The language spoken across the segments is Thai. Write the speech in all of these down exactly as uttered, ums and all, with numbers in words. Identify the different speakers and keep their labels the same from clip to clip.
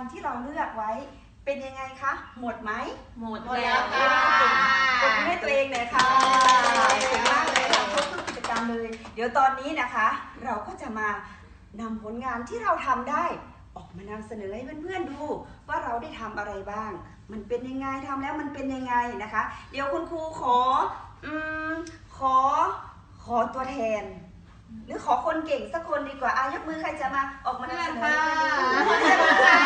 Speaker 1: ที่เราเลือกไว้เป็นยังไงคะหมดไหม
Speaker 2: หมดแล้วค่ะ
Speaker 1: ขอบคุณให้ตัวเองหน่อยค่ะเก่งมากเลยเราครบทุกกิจกรรมเลยเดี๋ยวตอนนี้นะคะเราก็จะมานำผลงานที่เราทำได้ออกมานำเสนอให้เพื่อนๆดูว่าเราได้ทำอะไรบ้างมันเป็นยังไงทำแล้วมันเป็นยังไงนะคะเดี๋ยวคุณครูขออืมขอขอตัวแทนหรือขอคนเก่งสักคนดีกว่าอายกมือใครจะมาออกมานำเสนอให้เพื่อนดู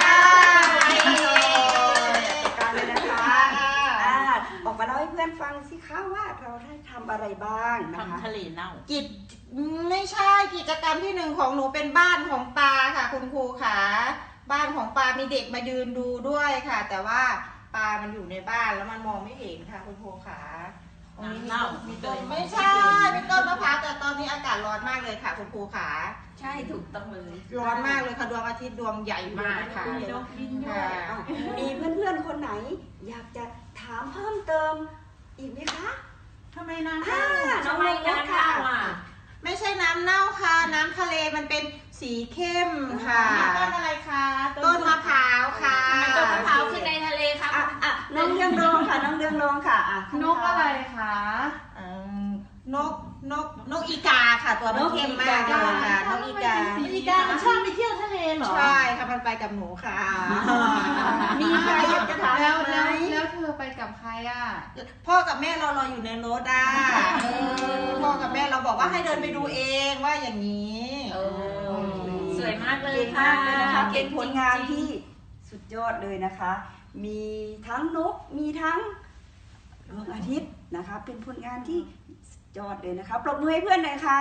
Speaker 1: การเลยนะคะออกมาเล่าให้เพื่อนฟังสิคะว่าเราได้ทำอะไรบ้างนะคะ
Speaker 2: ทำทะเลเน่า
Speaker 3: กิจไม่ใช่กิจกรรมที่หนึ่งของหนูเป็นบ้านของปลาค่ะคุณครูค่ะบ้านของปลามีเด็กมายืนดูด้วยค่ะ แต่ว่าปลามันอยู่ในบ้านแล้วมันมองไม่เห็นค่ะคุณครูค่ะตรงนี้มีต้นมีต้นไม่ใช่เป็นต้นมะพร้าวแต่ตอนนี้อากาศร้อนมากเลยค่ะคุณครูค่ะ
Speaker 2: ใช่ถูกต้องเลย
Speaker 3: ร้อนมากเลยค่ะดวงอาทิตย์ดวงใหญ่มากค่ะ
Speaker 1: มีเพื่อนๆคนไหนอยากจะถามเพิ่มเติมอีกไหมคะ
Speaker 2: ทำไมน้ำเน่า
Speaker 1: ทำไมน้ำเน่าอ่ะ
Speaker 3: ไม่ใช่น้ำเน่าค่ะน้ำทะเลมันเป็นสีเข้มค่ะ
Speaker 2: ต้นอะไรคะ
Speaker 3: ต้นมะพร้าวค่ะ
Speaker 2: ต้นมะพร้าวคือในทะเลค่ะ
Speaker 1: อ่ะน้องเรืองรองค่ะน้องเรืองรองค่ะ
Speaker 2: นกอะไรคะ
Speaker 3: นกนกนกอีกาค่ะตัวมันเข้มมากเลยค่ะนกอีกา
Speaker 2: อีกามันชอบไปเที่ยวทะเลเหรอ
Speaker 3: ใช่ค่ะมันไปกับหนูค่ะ
Speaker 1: มีใครอยากจะถาม
Speaker 2: แล้ว
Speaker 1: ไหม
Speaker 2: แล้วเธอไปกับใครอ่ะ
Speaker 3: พ่อกับแม่เรารออยู่ในรถอ่ะพ่อกับแม่เราบอกว่าให้เดินไปดูเองว่าอย่างนี้
Speaker 2: สวยมากเลย
Speaker 1: เก่งมากเลยนะคะเป็นผลงานที่สุดยอดเลยนะคะ มีทั้งนกมีทั้งดวงอาทิตย์นะคะเป็นผลงานที่สุดยอดเลยนะคะปรบมือให้เพื่อนหน่อยค่ะ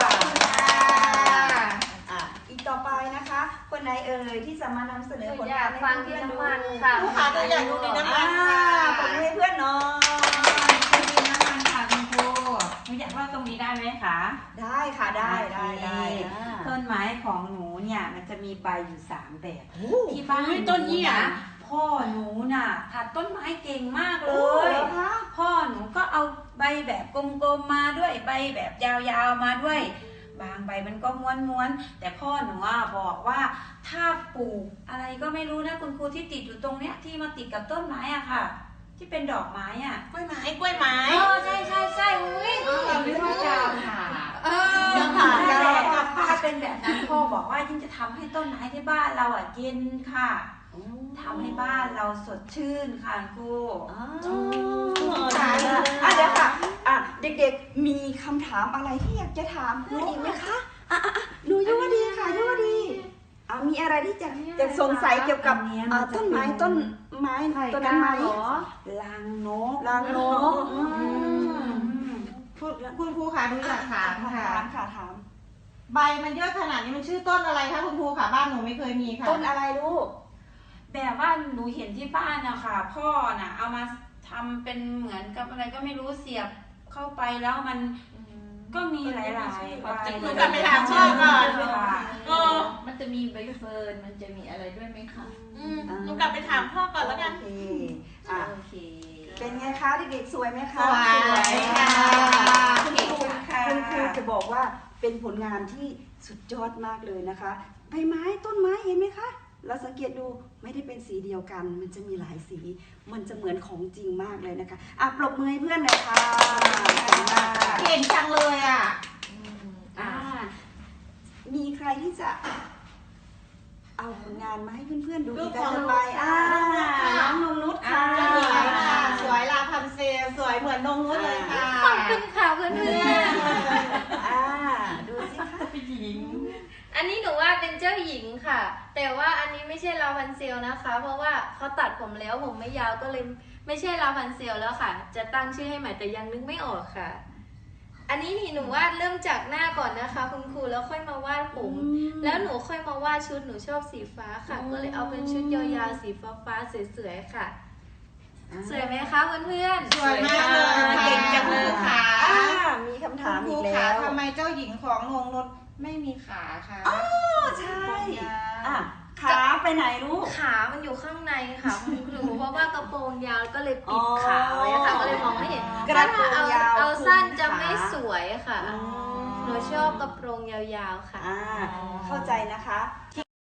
Speaker 1: อีกต่อไปนะคะคนไหนเอ่ยที่จะมานำเสนอผลงานให้
Speaker 4: ฟังที่น้ำมันค่ะ
Speaker 3: ผู้ขาตัวอย่างดูในน้ำมันค่ะ
Speaker 1: ปรบมือให้เพื่อนหน่อย
Speaker 2: ดินน้ำมันค่ะคุณครูหนูอยากว่าตรงนี้ได้ไหมคะ
Speaker 1: ได้ค่ะได้ได้ได้
Speaker 5: ต้นไม้ของหนูเนี่ยมันจะมีใบอยู่สามแบบที่บ้าน
Speaker 2: ต้นยี่อ่ะ
Speaker 5: พ่อหนูน่ะผัดต้นไม้เก่งมากเลย พ่อหนูก็เอาใบแบบกลมๆมาด้วยใบแบบยาวๆมาด้วยบางใบมันก็ม้วนๆแต่พ่อหนูบอกว่าถ้าปลูกอะไรก็ไม่รู้นะคุณครูที่ติดอยู่ตรงเนี้ยที่มาติดกับต้นไม้อ่ะค่ะที่เป็นดอกไม้อ่ะ
Speaker 3: กล้วยไม้กล้วยไม้
Speaker 5: เออใช่ใช่ใช่อุ้ยเราไม่ว่าจะค่ะ
Speaker 3: เออ
Speaker 5: ถ้าเป็นแบบนั้นพ่อบอกว่ายิ่งจะทำให้ต้นไม้ที่บ้านเราอ่ะเย็นค่ะทำให้บ้านเราสดชื่นค่ะครู
Speaker 1: อ๋ออ่ะเดี๋ยวค่ะอ่ะเด็กๆมีคำถามอะไรที่อยากจะถามเพื่อนอีกไหมคะอ่ะอ่ะหนูยุวดีค่ะยุวดีอ่ะมีอะไรที่จะจะสงสัยเกี่ยวกับต้นไม้ต้นไม้ต้นนั้นไหม
Speaker 5: ลางนก
Speaker 1: ลางนก
Speaker 3: คุณครูค่ะดูจากถามค่ะ
Speaker 1: ค่ะถาม
Speaker 3: ใบมันเยอะขนาดนี้มันชื่อต้นอะไรคะคุณครูค่ะบ้านหนูไม่เคยมีค่ะ
Speaker 1: ต้นอะไรลูก
Speaker 5: แบบว่าหนูเห็นที่บ้านนะคะพ่อน่ะเอามาทำเป็นเหมือนกับอะไรก็ไม่รู้เสียบเข้าไปแล้วมันก็มีหลายๆใบ
Speaker 3: หนูกลับไปถามพ่อก่อน
Speaker 2: เออมันจะมีใบเฟิร์นมันจะมีอะไรด้วยไหมคะ
Speaker 3: หนูกลับไปถามพ่อก่อนแล้วกัน
Speaker 1: โอเคเป็นไงคะเด็กๆสวยไหมคะ
Speaker 3: สวยค่ะ
Speaker 1: คุณครูคุณครูจะบอกว่าเป็นผลงานที่สุดยอดมากเลยนะคะใบไม้ต้นไม้เห็นไหมคะเราสังเกตดูไม่ได้เป็นสีเดียวกันมันจะมีหลายสีมันจะเหมือนของจริงมากเลยนะคะอ่ะปรบมือให้เพื่อนหน่อยค่ะ
Speaker 3: เก่งจังเลยอ่ะ
Speaker 1: อ่ามีใครที่จะเอาผลงานมาให้เพื่อนๆดูอีกต่อไปอ่าน้องนงนุชค่ะ
Speaker 3: สวยลาพันเซลสวยเหมือนนงนุชเลยค่ะ
Speaker 4: ขอบคุณค่ะเพื่อน
Speaker 1: ๆอ่าดูสิคะ
Speaker 2: เป็นหญิง
Speaker 4: อันนี้หนูว่าเป็นเจ้าหญิงค่ะแต่ว่าอันนี้ไม่ใช่ลาพันเซลนะคะเพราะว่าเขาตัดผมแล้วผมไม่ยาวก็เลยไม่ใช่ลาพันเซลแล้วค่ะจะตั้งชื่อให้ใหม่แต่ยังนึกไม่ออกค่ะอันนี้นี่หนูวาดเริ่มจากหน้าก่อนนะคะคุณครูแล้วค่อยมาวาดผมแล้วหนูค่อยมาวาดชุดหนูชอบสีฟ้าค่ะก็เลยเอาเป็นชุดยาวๆสีฟ้าๆสวยๆค่ะสวยไหมคะเพื่อน
Speaker 3: ๆสวยมากเลยเก่งจังเลยค่ะ
Speaker 1: มีคำถามอีกแล้ว
Speaker 3: ทำไมเจ้าหญิงของนงนุชไม่มีขาค่ะ
Speaker 1: อ๋อใช่อ่ะขาไปไหนลูก
Speaker 4: ขามันอยู่ข้างในค่ะคุณครูเพราะว่ากระโปรงยาวก็เลยปิดขาไว้ค่ะก็เลยมองไม่เห็นถ้าเอาเอาสั้นจะไม่สวยค่ะหนูชอบกระโปรงยาวๆค่ะ
Speaker 1: เข้าใจนะคะ